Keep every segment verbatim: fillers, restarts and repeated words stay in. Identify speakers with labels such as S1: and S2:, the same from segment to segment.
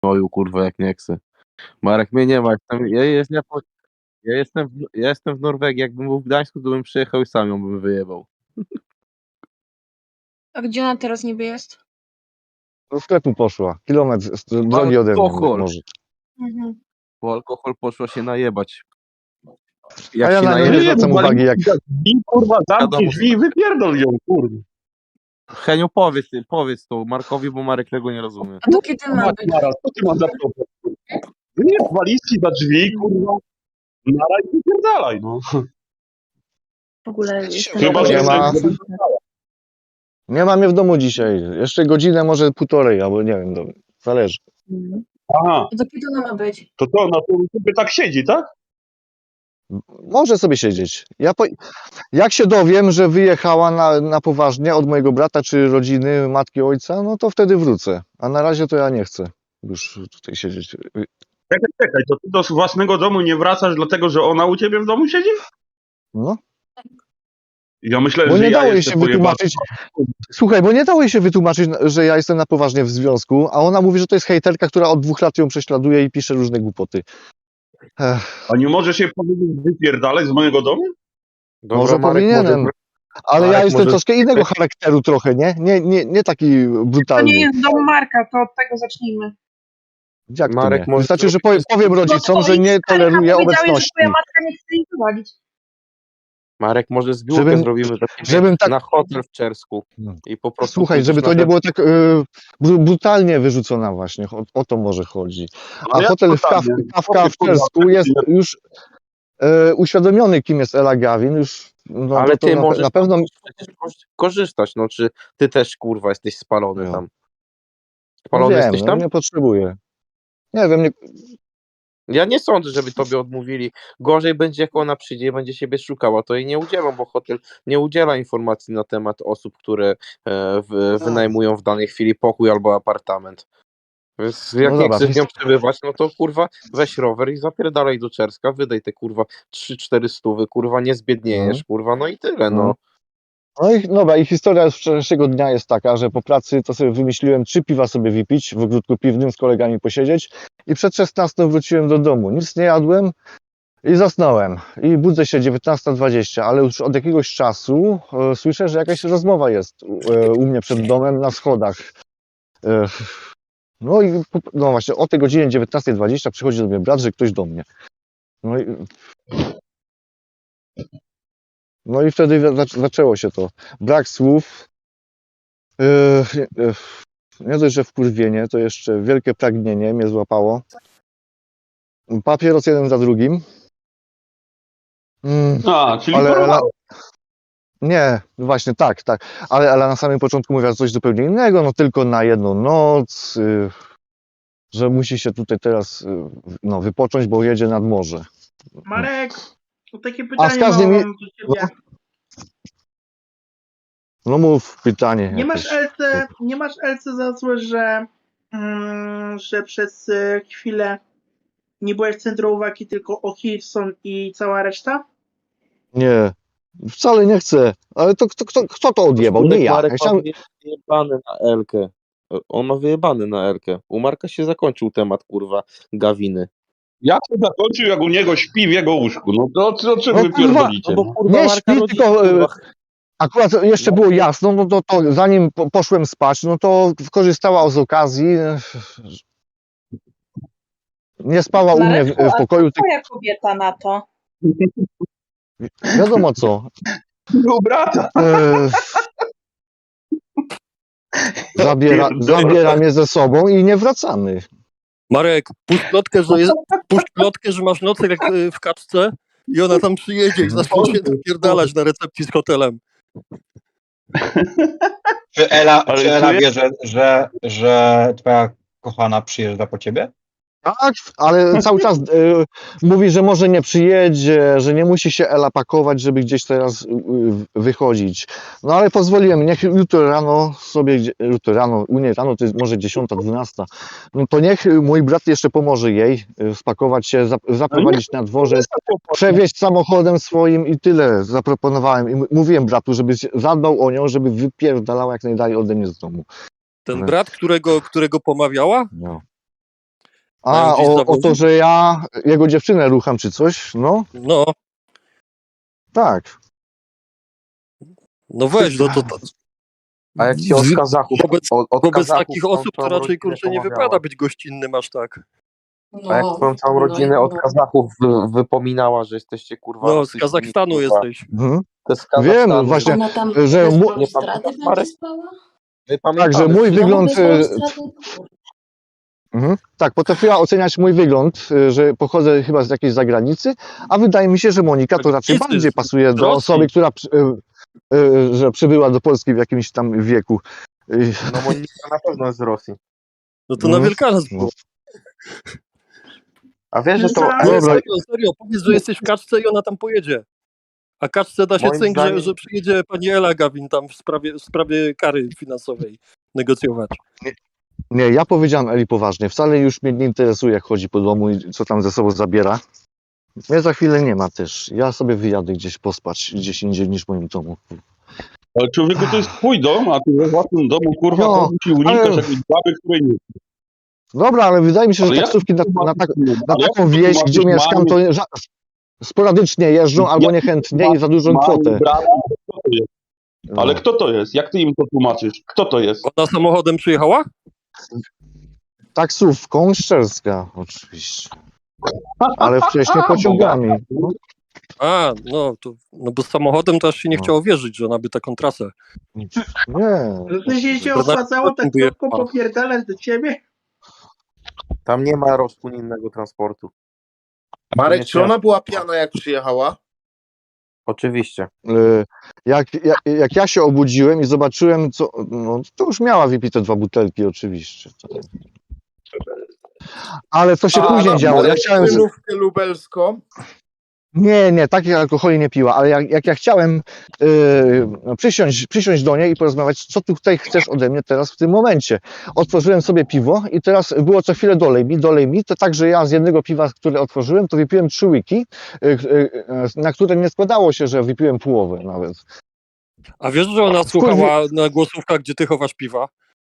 S1: Oju, kurwa, jak nie chcę. Marek, mnie nie ma. Jestem, ja, jest, ja, ja, jestem w, ja jestem w Norwegii. Jakbym był w Gdańsku, to bym przyjechał i sam ją bym wyjebał.
S2: A gdzie ona teraz niby jest?
S3: Do sklepu poszła. Kilometr z drogi ode mnie
S1: Alkohol.
S3: może.
S2: Mhm.
S1: Po alkohol poszła się najebać.
S3: A ja
S1: się
S3: na nią
S1: najebie-
S3: nie zwracam uwagi, jak...
S4: Drzwi, kurwa, zamknij
S1: Wiadomo,
S4: drzwi i wypierdol ją, kurwa.
S1: Heniu, powiedz, powiedz to Markowi, bo Marek tego nie rozumie.
S2: A to kiedy ma być?
S4: Naraz, co ty masz za problem? Nie, walizki za drzwi, kurwa. Nara i wypierdalaj, no.
S2: W ogóle jestem
S4: Chyba, że
S3: Nie ma.
S4: jesteś-
S3: Nie ma mnie w domu dzisiaj. Jeszcze godzinę, może półtorej, albo nie wiem, to zależy.
S2: Mhm.
S4: Aha,
S2: A to kiedy ona ma być?
S4: to to, no to sobie tak siedzi, tak?
S3: Może sobie siedzieć. Ja po... Jak się dowiem, że wyjechała na, na poważnie od mojego brata czy rodziny, matki, ojca, no to wtedy wrócę. A na razie to ja nie chcę już tutaj siedzieć.
S4: Czekaj, czekaj, to ty do własnego domu nie wracasz dlatego, że ona u ciebie w domu siedzi?
S3: No,
S4: Ja myślę,
S3: bo
S4: że
S3: nie
S4: ja
S3: dało jej
S4: jestem
S3: się
S4: pojebany.
S3: wytłumaczyć. Słuchaj, bo nie dało jej się wytłumaczyć, że ja jestem na poważnie w związku, a ona mówi, że to jest hejterka, która od dwóch lat ją prześladuje i pisze różne głupoty. Ech,
S4: A nie możesz się powiedzieć wypierdalać z mojego domu?
S1: Dobra,
S3: może
S1: Marek,
S3: powinienem.
S1: może-
S3: Ale
S1: Marek,
S3: ja jestem
S1: może-
S3: troszkę innego charakteru trochę, nie? Nie, nie, nie taki
S5: To
S3: brutalny.
S5: nie jest dom Marka, to od tego zacznijmy.
S3: Jak to
S1: Marek,
S3: nie?
S1: może
S3: Wystarczy, że
S1: zrobić
S3: powiem, powiem rodzicom, że nie toleruję
S5: powiedziałeś, że
S3: obecności.
S5: twoja matka nie chce jej prowadzić.
S1: Marek, może zbiórkę
S3: Żebym-
S1: zrobimy dla ciebie
S3: żebym tak-
S1: na hotel w Czersku
S3: No.
S1: i po prostu...
S3: Słuchaj,
S1: pójdziesz
S3: żeby
S1: na
S3: to nie
S1: te-
S3: było tak y, bru- brutalnie wyrzucona właśnie, o, o to może chodzi. A
S4: Ale jak
S3: hotel w Kaw,
S4: brutalnie?
S3: Kawka w
S4: Kurwa,
S3: Czersku jest już y, uświadomiony, kim jest Ela Gawin, już no,
S1: Ale
S3: no to
S1: ty
S3: na,
S1: możesz
S3: na pewno...
S1: przecież korzystać, no czy ty też, kurwa, jesteś spalony
S3: No.
S1: tam?
S3: No
S1: Spalony
S3: wiem,
S1: jesteś
S3: no,
S1: tam?
S3: nie potrzebuję. Nie wiem, nie,
S1: Ja nie sądzę, żeby tobie odmówili. Gorzej będzie, jak ona przyjdzie i będzie siebie szukała, to jej nie udzielą, bo hotel nie udziela informacji na temat osób, które e, w, wynajmują w danej chwili pokój albo apartament. Więc jak
S3: No
S1: nie
S3: dobra,
S1: chcesz z nią
S3: więc-
S1: przebywać, no to kurwa weź rower i zapierdalaj do Czerska, wydaj te kurwa trzy cztery stówy, kurwa nie zbiedniejesz,
S3: Mhm.
S1: kurwa, no i tyle, no.
S3: Mhm. No i dobra, i historia z wczorajszego dnia jest taka, że po pracy to sobie wymyśliłem trzy piwa sobie wypić, w ogródku piwnym z kolegami posiedzieć i przed szesnastą wróciłem do domu. Nic nie jadłem i zasnąłem. I budzę się dziewiętnasta dwadzieścia, ale już od jakiegoś czasu e, słyszę, że jakaś rozmowa jest e, u mnie przed domem na schodach. E, no i po- no właśnie o tej godzinie dziewiętnasta dwadzieścia przychodzi do mnie brat, że ktoś do mnie. No i No i wtedy zac- zaczęło się to. Brak słów. Yy, yy, nie dość, że wkurwienie, to jeszcze wielkie pragnienie mnie złapało. Papieros jeden za drugim. Mm,
S4: A, czyli
S3: ale
S4: porwała.
S3: Ela, nie, właśnie tak, tak. Ale Ela na samym początku mówiła coś zupełnie innego, no tylko na jedną noc, yy, że musi się tutaj teraz yy, no, wypocząć, bo jedzie nad morze.
S5: Marek, to takie
S3: A z
S5: pytanie
S3: każdym
S5: mam
S3: je-
S5: do ciebie.
S3: No mów pytanie.
S5: Nie masz
S3: jakieś.
S5: L C, nie masz L C za złe, że, mm, że przez y, chwilę nie byłeś w centrum uwagi, tylko O'Hilson i cała reszta?
S3: Nie, wcale nie chcę. Ale to kto, kto, kto to odjebał? Nie
S1: Szulek
S3: ja.
S1: Marek
S3: ja chciałem...
S1: ma wyjebany na Elkę. On ma wyjebany na Elkę. U Marka się zakończył temat, kurwa, Gawiny.
S4: Jak to zakończył, jak u niego śpi w jego łóżku? No to o, o czym
S3: No
S4: wy
S3: kurwa,
S4: pierdolicie?
S1: No bo kurwa
S3: Nie
S1: Marka
S3: śpi,
S1: rodzice,
S3: tylko, e,
S1: kurwa,
S3: Akurat jeszcze było jasno, no to, to zanim po, poszłem spać, no to korzystała z okazji. Nie spała u mnie w, w pokoju, tylko
S6: Twoja kobieta na to.
S3: wiadomo co.
S4: Był brata.
S3: E, zabiera, zabiera mnie ze sobą i nie wracamy.
S7: Marek, puść plotkę, że, jest, puść plotkę, że masz nocleg jak y, w kaczce i ona tam przyjedzie i zacznie się napierdalać na recepcji z hotelem.
S8: Czy Ela,
S4: Ale
S8: czy Ela
S4: czujesz-
S8: wie, że, że, że twoja kochana przyjeżdża po ciebie?
S3: Tak, ale cały czas e, mówi, że może nie przyjedzie, że nie musi się Ela pakować, żeby gdzieś teraz e, wychodzić. No ale pozwoliłem, niech jutro rano sobie, gdzie- jutro rano, u niej rano to jest może dziesiąta, dwunasta, no to niech mój brat jeszcze pomoże jej e, spakować się, zap- zaprowadzić na dworzec, przewieźć samochodem swoim i tyle zaproponowałem. I m- mówiłem bratu, żeby się zadbał o nią, żeby wypierdalała jak najdalej ode mnie z domu.
S7: Ten
S3: Ale-
S7: brat, którego, którego pomawiała?
S3: No. A,
S7: Mają gdzieś
S3: o, o
S7: zawozy?
S3: to, że ja jego dziewczynę rucham czy coś? No,
S7: No,
S3: tak.
S7: no weź, no to, to
S1: A jak ci od
S7: w-
S1: Kazachów,
S7: wobec,
S1: od, od
S7: wobec
S1: Kazachów
S7: takich
S1: tą
S7: osób to
S1: całą
S7: raczej
S1: rodzinę
S7: kurczę nie
S1: pomawiała.
S7: wypada być gościnnym aż tak.
S1: A jak twoją całą rodzinę od Kazachów wy, wypominała, że jesteście kurwa
S7: No, z
S1: rosyjskimi,
S7: Kazachstanu
S1: kurwa.
S7: jesteś.
S3: Mhm.
S1: To jest z
S3: Wiem,
S1: Kazachstanu.
S3: właśnie,
S2: Ona tam
S3: że
S2: bez
S3: mu-
S1: Nie
S2: balustrady
S1: pamiętasz,
S2: będzie
S1: Marek?
S2: spała?
S1: My
S3: tak, że
S1: pamiętamy
S3: mój
S1: wszystko.
S3: wygląd...
S2: bez
S3: e,
S2: balustrady?
S3: Mhm. Tak, potrafiła oceniać mój wygląd, y, że pochodzę chyba z jakiejś zagranicy, a wydaje mi się, że Monika to raczej
S7: Zagranicy,
S3: bardziej
S7: z
S3: pasuje do
S7: Rosji.
S3: osoby, która przy- y, y, że przybyła do Polski w jakimś tam wieku. Y,
S1: No Monika na pewno jest z Rosji.
S7: No to na
S3: Mhm.
S7: Wielkanoc
S3: No.
S7: było.
S1: A wiesz, że to...
S5: No
S1: a
S7: Nie,
S1: jest-
S3: Dobra.
S7: serio, serio, powiedz, że jesteś w kaczce i ona tam pojedzie. A kaczce da się
S1: Moim
S7: cynk,
S1: zdaniem-
S7: że, że przyjedzie pani Ela Gawin tam w sprawie, w sprawie kary finansowej negocjować.
S3: Nie, ja powiedziałem Eli poważnie, wcale już mnie nie interesuje, jak chodzi po domu i co tam ze sobą zabiera. Mnie za chwilę nie ma też. Ja sobie wyjadę gdzieś pospać, gdzieś indziej niż w moim domu.
S4: Ale człowieku, to jest twój dom, a ty we własnym domu, kurwa,
S3: No,
S4: no, ci unikasz
S3: ale-
S4: jakiejś baby, której nie...
S3: Dobra, ale wydaje mi się, że
S4: Ale jak
S3: taksówki na, na, tak, na
S4: Ale jak
S3: taką
S4: ty
S3: wieś,
S4: tłumaczysz
S3: gdzie mieszkam, to
S4: mamie-
S3: ża- sporadycznie jeżdżą albo niechętnie i za dużą
S4: mamie,
S3: kwotę.
S4: brata, kto to jest?
S3: No.
S4: Ale kto to jest? Jak ty im to tłumaczysz? Kto to jest?
S7: Ona samochodem przyjechała?
S3: Taksówką Szczerska, oczywiście. Ale wcześniej pociągami. No,
S7: A, no, to, no bo z samochodem to aż się nie
S3: No.
S7: chciało wierzyć, że ona by taką trasę.
S3: nie.
S5: To się się
S7: To
S5: opłacało
S7: na-
S5: tak szybko popierdalać do ciebie?
S1: Tam nie ma rozpłynnego transportu.
S6: Marek,
S1: Nie
S6: czy ona była pijana jak przyjechała?
S1: Oczywiście.
S3: Y, Jak, jak, jak ja się obudziłem i zobaczyłem, co. No, to już miała wypite dwa butelki, oczywiście. Ale to się
S6: A,
S3: później
S6: no,
S3: działo. Ja chciałem. z-
S6: Królówkę lubelską.
S3: Nie, nie, takich alkoholi nie piła, ale jak, jak ja chciałem yy, przysiąść, przysiąść do niej i porozmawiać, co ty tutaj chcesz ode mnie teraz w tym momencie. Otworzyłem sobie piwo i teraz było co chwilę dolej mi, dolej mi, to tak, że ja z jednego piwa, które otworzyłem, to wypiłem trzy łyki, yy, yy, na które nie składało się, że wypiłem połowę nawet.
S7: A wiesz, że ona słuchała na głosówkach, gdzie ty chowasz piwa?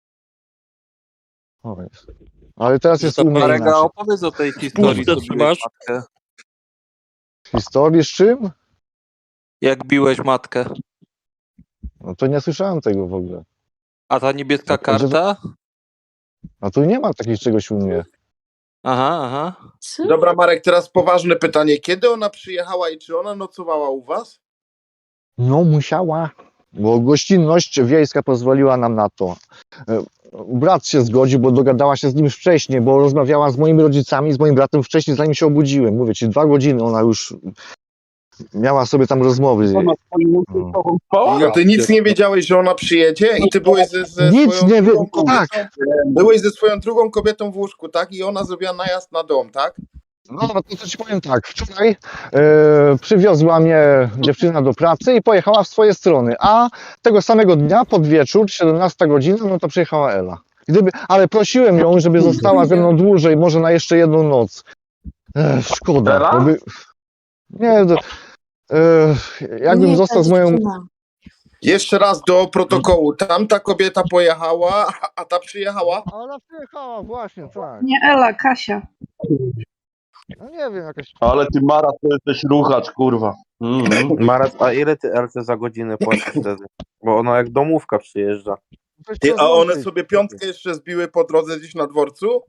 S3: O, jest. Ale teraz jest u mnie
S9: Marega,
S3: inaczej.
S9: opowiedz o tej historii,
S7: Puszczę
S9: co
S7: trzymasz?
S9: biłeś matkę.
S3: Historii z czym?
S9: Jak biłeś matkę?
S3: No to nie słyszałem tego w ogóle.
S9: A ta niebieska
S3: No, to, że-
S9: karta?
S3: A tu nie ma takiego czegoś u mnie.
S9: Aha, aha.
S2: Co?
S6: Dobra, Marek, teraz poważne pytanie. Kiedy ona przyjechała i czy ona nocowała u was?
S3: No musiała, bo gościnność wiejska pozwoliła nam na to. E, Brat się zgodził, bo dogadała się z nim wcześniej, bo rozmawiała z moimi rodzicami, z moim bratem wcześniej, zanim się obudziłem. Mówię ci, dwa godziny ona już miała sobie tam rozmowy.
S4: Ona swoim
S3: No.
S4: ojcem spała?
S6: No ty nic nie wiedziałeś, że ona przyjedzie i ty byłeś ze, ze
S3: Nic
S6: swoją
S3: nie wie,
S6: drugą kobietą.
S3: tak.
S6: Byłeś ze swoją drugą kobietą w łóżku, tak? I ona zrobiła najazd na dom, tak?
S3: No, no to co ci powiem tak, wczoraj e, przywiozła mnie dziewczyna do pracy i pojechała w swoje strony, a tego samego dnia pod wieczór, siedemnasta godzina, no to przyjechała Ela. Gdyby, ale prosiłem ją, żeby została ze mną dłużej, może na jeszcze jedną noc. Ech, szkoda.
S4: Ela?
S3: Bo by, nie, to, e, jakbym
S2: Nie,
S3: został
S2: ta
S3: z moją...
S2: dziewczyna.
S6: Jeszcze raz do protokołu. Tamta kobieta pojechała, a- a ta przyjechała?
S3: Ona przyjechała, właśnie, tak.
S2: Nie Ela, Kasia.
S3: No nie wiem, jakaś...
S4: Ale ty, Mara, to jesteś ruchacz, kurwa. Mhm.
S1: Marat, a ile ty L C za godzinę płacisz wtedy? Bo ona jak domówka przyjeżdża.
S6: Ty, a one sobie piątkę jeszcze zbiły po drodze gdzieś na dworcu?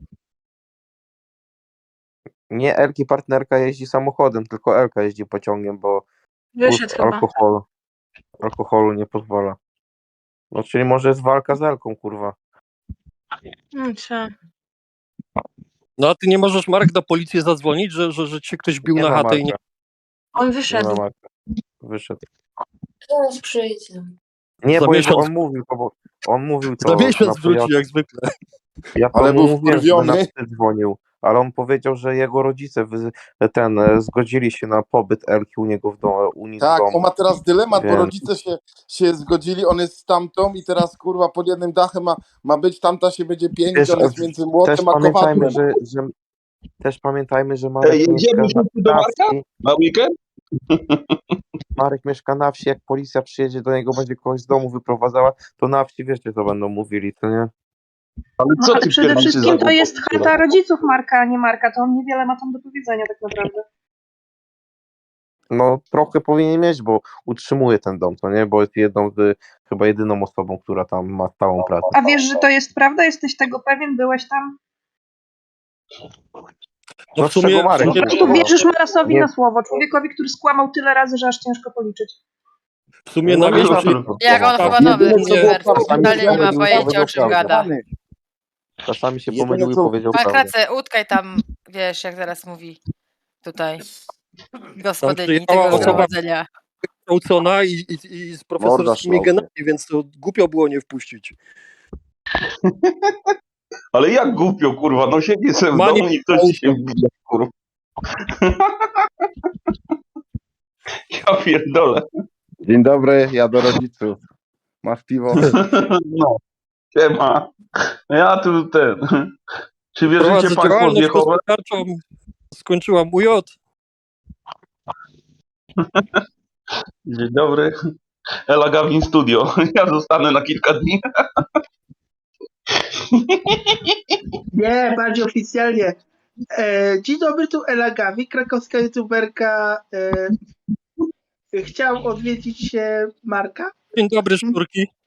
S1: Nie, Elki partnerka jeździ samochodem, tylko Elka jeździ pociągiem, bo
S2: Wyszedł
S1: kurs
S2: chyba.
S1: alkoholu, alkoholu nie pozwala. No czyli może jest walka z Elką, kurwa.
S2: No co?
S7: No a ty nie możesz, Marek, na policję zadzwonić, że, że, że cię ktoś bił
S1: Nie
S7: na
S1: ma
S7: chatę i nie...
S1: Marka,
S2: On
S1: nie ma
S2: wyszedł.
S1: Marka. Wyszedł.
S2: Teraz przyjdzie.
S1: Nie,
S7: Za
S1: bo
S7: miesiąc.
S1: on mówił to, bo on mówił to.
S7: Za miesiąc
S1: na
S7: wróci,
S1: pojazd-
S7: jak zwykle.
S1: Ja
S6: Ale
S1: panu
S6: był
S1: mówiłem, że
S6: wkurwiony.
S1: na psy dzwonił, ale on powiedział, że jego rodzice wy, ten e, zgodzili się na pobyt Elki u niego w domu. U nich
S6: Tak,
S1: w domu.
S6: on ma teraz dylemat, bo
S1: Wiem.
S6: rodzice się, się zgodzili, on jest z tamtą i teraz kurwa pod jednym dachem ma, ma być, tamta się będzie pięć,
S1: Też-
S6: on jest między
S1: Też
S6: młotem a
S1: pamiętajmy,
S6: kowadłem.
S1: że, że też pamiętajmy, że Marek
S4: Ej, jedziemy
S1: mieszka
S4: wszyscy do
S1: na
S4: Marka?
S1: wsi.
S4: Na weekend?
S1: Marek mieszka na wsi, jak policja przyjedzie do niego, będzie kogoś z domu wyprowadzała, to na wsi wiecie, co będą mówili, to nie?
S4: Ale
S2: No,
S4: co
S2: ale
S4: ty
S2: przede
S4: pierdolisz
S2: wszystkim
S4: za
S2: to jest
S4: głupoty,
S2: chata rodziców Marka, a nie Marka, to on niewiele ma tam do powiedzenia tak naprawdę.
S1: No trochę powinien mieć, bo utrzymuje ten dom, to nie? Bo jest jedną z, chyba jedyną osobą, która tam ma stałą pracę.
S2: A wiesz, że to jest prawda? Jesteś tego pewien? Byłeś tam?
S7: No
S1: No
S7: w
S1: z czego
S7: sumie, w
S1: Marek
S7: sumie,
S2: Po prostu
S1: mówił,
S2: wierzysz Marasowi
S1: Nie.
S2: na słowo, człowiekowi, który skłamał tyle razy, że aż ciężko policzyć.
S7: w sumie
S1: No
S7: na
S1: i
S7: miejscu
S1: kurwa.
S10: Jak on
S7: Tak,
S10: chyba nowy
S1: Jedyne, co było
S10: youtuber,
S1: prawdą,
S10: totalnie nie ma
S1: powiedział
S10: pojęcia o czym
S1: prawdę.
S10: gada.
S1: Czasami się
S6: Jedyne,
S1: pomylił i
S6: co-
S1: powiedział
S10: A
S1: prawdę.
S10: Krace, utkaj tam, wiesz, jak teraz mówi tutaj gospodyni
S7: przyjechała
S10: tego
S7: osoba-
S10: zgromadzenia.
S7: kształcona i, i, i z profesorskimi
S6: Morda
S7: genami, więc to głupio było nie wpuścić.
S4: Ale jak głupio, kurwa, no siedzi sobie w
S7: Mani-
S4: domu i ktoś ci się wbija, kurwa. Ja pierdolę.
S6: Dzień dobry, ja do rodziców. Masz piwo?
S4: No, siema. Ja tu ten... Czy wierzycie
S7: Prowadzę
S4: państwo w
S7: działalność
S4: Jehowę?
S7: gospodarczą, skończyłam U J.
S4: Dzień dobry. Ela Gawin Studio. Ja zostanę na kilka dni.
S5: Nie, bardziej oficjalnie. E, dzień dobry, tu Ela Gawi, krakowska youtuberka. E, chciał odwiedzić się Marka.
S7: Dzień dobry, szturki.